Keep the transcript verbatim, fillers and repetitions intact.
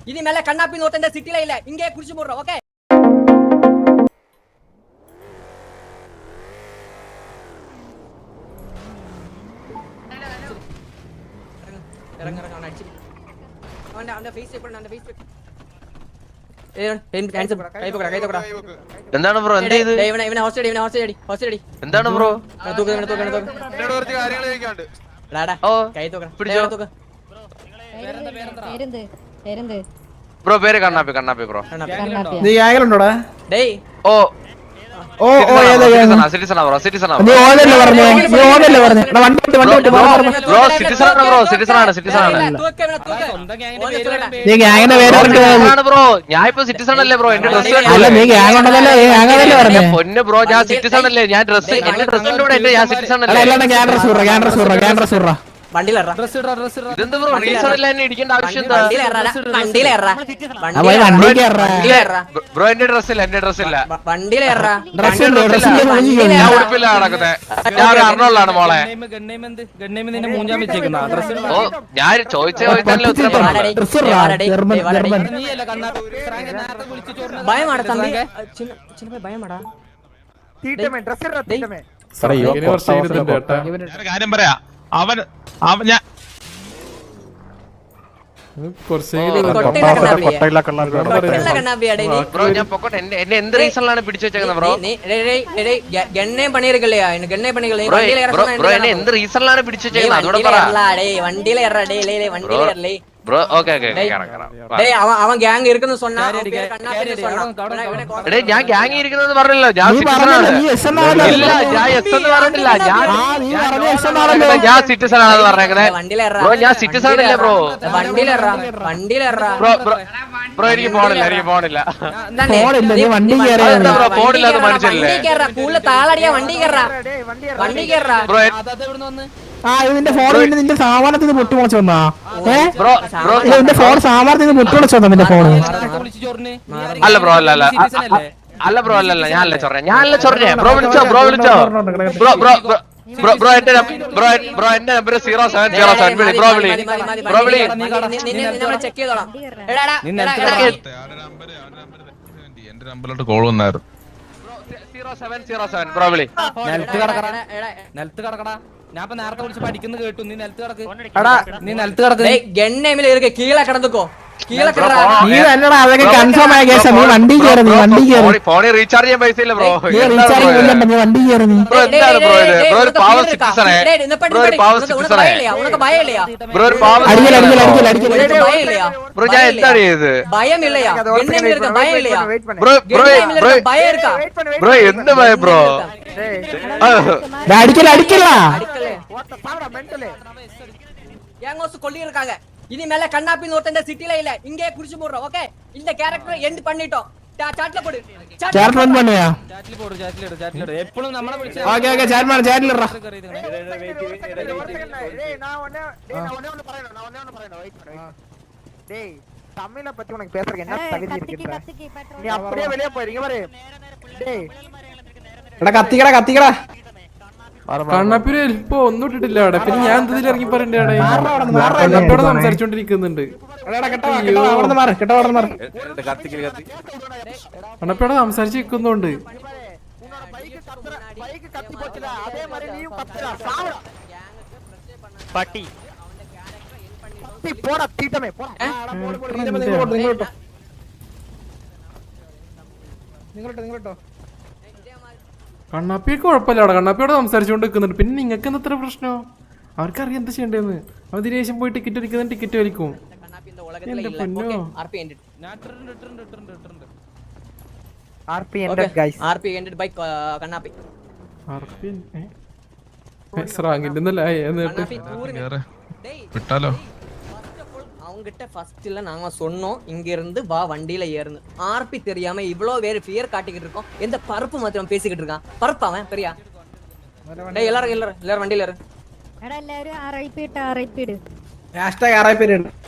இனி மேல கண்ணாப்பி நோட்டு இந்த சிட்டில இல்ல, இங்கே குடிச்சு போடுறோம். ஓகே இறங்க இறங்க அவன் அடிச்சு அவன் அந்த ஃபேஸ் செக் பண்ண அந்த ஃபேஸ் செக் ஏய் பென் கேன்சல் கை போடா கை போடா എന്താണ് ബ്രോ എന്ത് ചെയ്തു ഇവനെ ഇവനെ ഹോസ്റ്റൽ ഇവനെ ഹോസ്റ്റൽ അടി ഹോസ്റ്റൽ അടി എന്താണ് ബ്രോ തൂക്ക് ഇവനെ തൂക്ക് ഇവനെ തൂക്ക് എന്നോട് കുറച്ച് കാര്യങ്ങൾ ചോദിക്കാനുണ്ട് ടാടാ ഓ കൈ തൂക്ക് പിടിച്ചോ തൂക്ക് പേരെന്ത് പേരെന്ത് പേരെന്ത് ബ്രോ പേര് കണ്ണാപ്പി കണ്ണാപ്പി ബ്രോ നീ ഗ്യാങ്ങിലുണ്ടോടാ ഡേയ് ഓ ഓ ഓ ഏതാ ഗ്യാങ് സിറ്റിസണാ ബ്രോ സിറ്റിസണാ നീ ഓനല്ലേ പറഞ്ഞേ നീ ഓനല്ലേ പറഞ്ഞേ എടാ വണ്ടി വിട്ട് വണ്ടി വിട്ട് ബ്രോ സിറ്റിസണാണ് ബ്രോ സിറ്റിസണാണ് സിറ്റിസണാണ് തൂക്ക് ഇവനെ തൂക്ക് നീ ഗ്യാങ്ങിന്റെ പേര് പറഞ്ഞേ ബ്രോ ഞാൻ ഇപ്പൊ സിറ്റിസൺ അല്ലേ ബ്രോ എന്റെ ഡ്രസ് അല്ല നീ ഗ്യാങ് ഉണ്ടല്ലോ നീ ഗ്യാങ് അതല്ലേ പറഞ്ഞേ പൊന്ന് ബ്രോ ഞാൻ സിറ്റിസൺ അല്ലേ ഞാൻ ഡ്രസ് എന്റെ ഡ്രസ്സിന്റെ കൂടെ ഇട്ട് ഞാൻ സിറ്റിസൺ അല്ല അല്ലേ അല്ലാണ്ട് ഗ്യാങ് ഡ്രസ് വിട ഗ്യാങ് ഡ്രസ് വിട ഗ്യാങ് ഡ്രസ് വിട വണ്ടിയിലെറാ ഇതെന്ത് ബ്രോ റീസൺ ഇല്ല എന്നെ ഇടിക്കേണ്ട ആവശ്യം എന്താ വണ്ടിയിലെറാ വണ്ടിയിലെറാ അപ്പൊ വണ്ടി കേറ വണ്ടിയിലെറാ ബ്രോ എന്റെ ഡ്രസ് ഇല്ല എന്റെ ഡ്രസ് ഇല്ല വണ്ടിയിലെറാ ഡ്രസ് ഇല്ല ഡ്രസ് ഇല്ല ഞാൻ ഉടുപ്പില്ല നടക്കുന്നത് ഞാൻ ഒരു അർണോളാണ് മോളെ ഓ ഞാൻ ചോദിച്ച ചോദിച്ചാലേ ഉത്തരം പറഞ്ഞു ഡ്രസ് ഇട ജർമ്മൻ ജർമ്മൻ ഭയമാടാ തമ്പി ചിന്ന ചിന്ന ഭയമാടാ തീറ്റമേ ഡ്രസ് ഇട തീറ്റമേ കാര്യം പറയാ അവൻ അവൻ ഞാൻ ബ്രോ ഞാൻ പൊക്കോട്ടെ എന്നെ എന്നെ എന്ത് റീസണിലാണ് പിടിച്ചു വെച്ചേക്കുന്നത് ബ്രോ ഗണ്ണേം പണിയിരിക്കല്ലേ ഗണ്ണേ പണികളെ ബ്രോ എന്നെ എന്ത് റീസണിലാണ് പിടിച്ചു വെച്ചേക്കുന്നത് അതോടെ പറ വണ്ടിയിലെ ബ്രോ ഓക്കെ ഓക്കെ അവൻ ഗ്യാങ് ഇരിക്കുന്നു சொன்னா എടേ ഞാൻ ഗ്യാങ് ഇരിക്കുന്നത് പറഞ്ഞല്ലോ ഞാൻ സിറ്റിസൺ ആണ് ഇല്ല ഞാൻ എസ് എന്ന് പറഞ്ഞില്ല ഞാൻ ഞാൻ സിറ്റിസൺ ആണെന്ന് പറഞ്ഞേക്കുന്നത് ബ്രോ ഞാൻ സിറ്റിസൺ അല്ലേ ബ്രോ വണ്ടിയിലെറാ വണ്ടിയിലെറാ ബ്രോ ബ്രോ എനിക്ക് പോണില്ല എനിക്ക് പോണില്ല വണ്ടി ബ്രോ പോണില്ല അത് മനസ്സിലല്ലേ കൂടുതൽ താളടിയാ വണ്ടി കയറാ വണ്ടി കയറാ ബ്രോ ആ ഇതിന്റെ ഫോൺ നിന്റെ സാമാനത്തിൽ നിന്ന് പൊട്ടിമുളച്ച് വന്നാ ഏ ബ്രോ ബ്രോ നിന്റെ ഫോൺ സാമാനത്തിൽ നിന്ന് പൊട്ടിമുളച്ച് വന്നാ നിന്റെ ഫോണ് അല്ല ബ്രോ അല്ല അല്ല അല്ല ബ്രോ അല്ല അല്ല ഞാനല്ല ചൊറേ ഞാനല്ല ചൊറേ ബ്രോ വിളിച്ചോ ബ്രോ വിളിച്ചോ ബ്രോ ബ്രോ ബ്രോ ബ്രോ എന്റെ ബ്രോ ബ്രോ എന്റെ number zero seven zero seven വിളി ബ്രോ വിളി ബ്രോ വിളി ചെക്ക് ചെയ്തോളാം എന്റെ നമ്പറിലോട്ട് കോൾ വന്നായിരുന്നു zero seven zero seven bro വിളി നിലത്ത് കിടക്കടാ ഞാൻ ഇപ്പൊ നേരത്തെ വിളിച്ച് പഠിക്കുന്ന കേട്ടു നീ നിലത്ത് കിടക്ക് നീ നിലത്ത് കിടക്ക് ഗണ്ണേമില് ഇருக்கு കീഴെ കിടന്നുക്കോ കീഴെ കിടറാ നീ എന്നടാ അതൊക്കെ കൺഫേം ആയ കേസാ നീ വണ്ടി കയറി നീ വണ്ടി കയറി ഫോണിൽ റീചാർജ് ചെയ്യാൻ പൈസ ഇല്ല ബ്രോ നീ റീചാർജ് ചെയ്യണ്ട നീ വണ്ടി കയറി നീ ബ്രോ എന്താണ് ബ്രോ ഇത് ബ്രോ ഒരു പാവ സിറ്റിസണേ ബ്രോ ഒരു പാവ സിറ്റിസണേ ഉനക്ക് ഭയം ഇല്ലയാ ബ്രോ ഒരു പാവ അടിക്കല അടിക്കല അടിക്കല അടിക്കല ഉനക്ക് ഭയം ഇല്ലയാ ബ്രോ ഞാൻ എന്താണ് ചെയ്തത് ഭയം ഇല്ലയാ ഗണ്ണേമില് ഇருக்கு ഭയം ഇല്ലയാ ബ്രോ ബ്രോ ബ്രോ ഭയം இருக்கா ബ്രോ എന്ത് ഭയം ബ്രോ അടിക്കല അടിക്കല ഗ്യാങ്സ് കൊള്ളി இருக்காங்க இனி மேல கண்ணாப்பி நோட்டு இந்த சிட்டில இல்ல இங்கே குடிச்சு போடுறோம் ஓகே இந்த கேரக்டர் எண்ட் பண்ணிட்டோம் ചാറ്റിൽ പോട് ചാറ്റ് റൺ പണിയാ ചാറ്റിൽ പോട് ചാറ്റിൽ ഇട് ചാറ്റിൽ ഇട് എപ്പോഴും നമ്മളെ വിളിച്ച് ഓക്കേ ഓക്കേ ചാറ്റ് മാർ ചാറ്റിൽ ഇടറാ டேய் தமிழை பத்தி உனக்கு பேசுறதுக்கு என்ன தகுதி இருக்குடா நீ அப்படியே வெளிய போறீங்க பாரு டேய் എടാ കത്തിക്കടാ കത്തിക്കടാ കണ്ണാപ്പിന് ഇപ്പൊ ഒന്നും ഇട്ടിട്ടില്ല അവിടെ പിന്നെ ഞാൻ എന്തിൽ ഇറങ്ങി പറയണ്ടേ കണ്ണാപ്പിയോടെ സംസാരിച്ചോണ്ടിരിക്കുന്നുണ്ട് കണ്ണാപ്പിയോടെ സംസാരിച്ച് നിൽക്കുന്നുണ്ട് പട്ടി പോടാ തീറ്റമേ പോടാ നിങ്ങളോട്ടോ നിങ്ങളോട്ടോ കണ്ണാപ്പിയൊക്കെ കുഴപ്പമില്ല കണ്ണാപ്പിയോടെ സംസാരിച്ചുകൊണ്ട് നിൽക്കുന്നുണ്ട് പിന്നെ നിങ്ങൾക്ക് എന്താ ഇത്ര പ്രശ്നം അവർക്കറിയാം എന്താ ചെയ്യേണ്ടതെന്ന് അവർ ദിനേശം പോയി ടിക്കറ്റ് അടിക്കുന്ന ടിക്കറ്റ് വലിക്കും എന്റെ പൊന്നോ വിട്ടാലോ அவங்கிட்ட ஃபர்ஸ்ட்ல நாங்க சொன்னோம் இங்க இருந்து வா வண்டியில ஏறுன்னு ஆர்பி தெரியாம இவ்ளோ வேற ஃபியர் காட்டிக்கிட்டு இருக்கோம் எந்த பருப்பு மாத்திரம் பேசிக்கிட்டு இருக்கான் பருப்பு அவன் பெரியா டேய் எல்லாரும் எல்லாரும் எல்லாரும் வண்டியில ஏறு എടാ എല്ലാരും ആർഐപി ഇട്ട് ആർഐപി ഇട് ഹാഷ്ടാഗ് ആറായി പേര്